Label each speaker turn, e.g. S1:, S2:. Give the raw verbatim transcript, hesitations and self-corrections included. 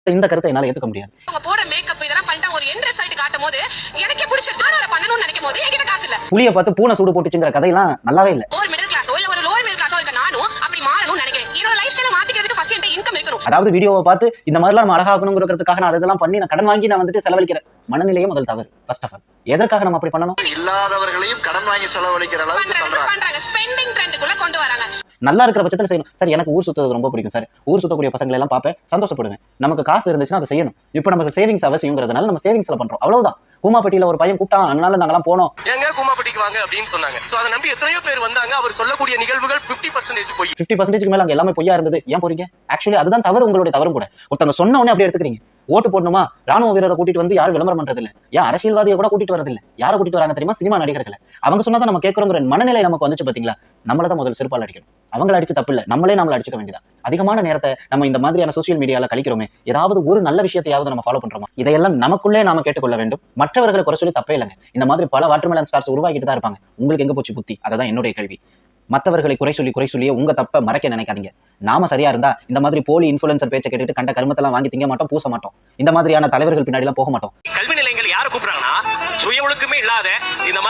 S1: இந்த கருத்தை என்னால ஏத்துக்க முடியாது.
S2: அவங்க போற மேக்கப் இதெல்லாம் பண்ணிட்டா ஒரு எண்ட் ரிசல்ட் காட்டும்போது எனக்கே பிடிச்சிருக்கு. நான் அத பண்ணனும்னு நினைக்கும்போது என்கிட்ட காசு இல்ல.
S1: புளிய பார்த்து பூனை சூடு போட்டுச்சுங்கற கதையெல்லாம் நல்லாவே இல்ல.
S2: ஒரு மிடில் கிளாஸோ இல்ல ஒரு லோவர் மிடில் கிளாஸோ இருக்க நானும் அப்படி மாறணும்னு நினைக்கிறேன். என்னோட லைஃப் ஸ்டைலை மாத்திக்கிறதுக்கு ஃபர்ஸ்ட் என்கிட்ட இன்கம் இருக்கணும்.
S1: அதாவது வீடியோவை பார்த்து இந்த மாதிரிலாம் நம்ம அழகாகணும்ங்கறதுக்காக நான் அதெல்லாம் பண்ணி நான் கடன் வாங்கி நான் வந்துட்டு செலவழிக்கிறேன். மனநிலையே முதல் தவறு. ஃபர்ஸ்ட் ஆஃப் ஆல் எதற்காக நம்ம அப்படி பண்ணணும்?
S3: இல்லாதவர்களையும் கடன் வாங்கி செலவழிக்கிற அளவுக்கு
S2: பண்றாங்க. பண்றாங்க. ஸ்பெண்டிங் ட்ரெண்டுக்குள்ள கொண்டு வராங்க.
S1: நல்லா இருக்கிற பட்சத்துல செய்யணும். சார் எனக்கு ஊர் சுத்துறது ரொம்ப பிடிக்கும் சார். ஊர் சுத்தக்கூடிய பசங்களை எல்லாம் பார்ப்பேன், சந்தோஷப்படுவேன். நமக்கு காசு இருந்துச்சுன்னா அதை செய்யணும். இப்போ நமக்கு சேவிங்ஸ் அவசியம்ங்கிறதுனால நம்ம சேவிங்ஸ்ல பண்றோம். அவ்வளவுதான். கூமாப்பட்டியில ஒரு பையன் கூப்பிட்டான், அதனால நாங்கெல்லாம் போனோம்.
S3: எங்க கூமாப்பட்டிக்கு வாங்க அப்படின்னு சொன்னாங்க. சோ அதை நம்பி எத்தனையோ பேர் வந்தாங்க. அவர் சொல்லக்கூடிய நிகழ்வுகள் ஐம்பது பர்சன்டேஜ் போய்
S1: ஐம்பது பர்சன்டேஜ்க்கு மேல அங்க எல்லாமே பொய்யா இருந்தது. ஏன் போறீங்க? ஆக்சுவலி அதுதான் தவறு, உங்களுடைய தவறும் கூட. ஒருத்தங்க சொன்ன உடனே அப்படியே எடுத்துக்கிறீங்க. ஓட்டு போடணுமா, ராணுவ வீரரை கூட்டிட்டு வந்து யாரும் விளம்பரம் பண்றது இல்ல. ஏன் அரசியல்வாதியை கூட கூட்டிட்டு வரது இல்ல. யாரை கூட்டிட்டு வராங்க தெரியுமா? சினிமா நடிகர்களை. அவங்க சொன்னதை நம்ம கேட்கிறோங்கிற மனநிலை நமக்கு வந்துச்சு பாத்தீங்களா? நம்மள தான் முதல் செருப்பால் அடிக்கணும். அவங்கள அடிச்சு தப்பு இல்ல, நம்மளே நம்மள அடிச்சுக்க வேண்டியதா. அதிகமான நேரத்தை நம்ம இந்த மாதிரியான சோசியல் மீடியால கழிக்கிறோமே, ஏதாவது ஒரு நல்ல விஷயத்தையாவது நம்ம ஃபாலோ பண்றோமா? இதையெல்லாம் நமக்குள்ளே நாம கேட்டுக்கொள்ள வேண்டும். மற்றவர்களை குறை சொல்லி தப்பே இல்லைங்க. இந்த மாதிரி பல வாட்டர்மெலன் ஸ்டார்ஸ் உருவாக்கிட்டு தான் இருப்பாங்க. உங்களுக்கு எங்க போச்சு புத்தி? அததான் என்னுடைய கேள்வி. மற்றவர்களை குறை சொல்லி குறை சொல்லியே உங்க தப்ப மறைக்க நினைக்காதீங்க. நாம சரியா இருந்தா இந்த மாதிரி போலி இன்ஃபுளுன்சர் பேச்சை கேட்டுட்டு கண்ட கருமத்தெல்லாம் வாங்கி திங்க மாட்டோம், பூச மாட்டோம். இந்த மாதிரியான தலைவர்கள் பின்னாடி எல்லாம் போக மாட்டோம்.
S3: கல்வி நிலையங்கள் யாரை கூப்பிடுறாங்கன்னா சுய ஒழுக்கமே இல்லாத இந்த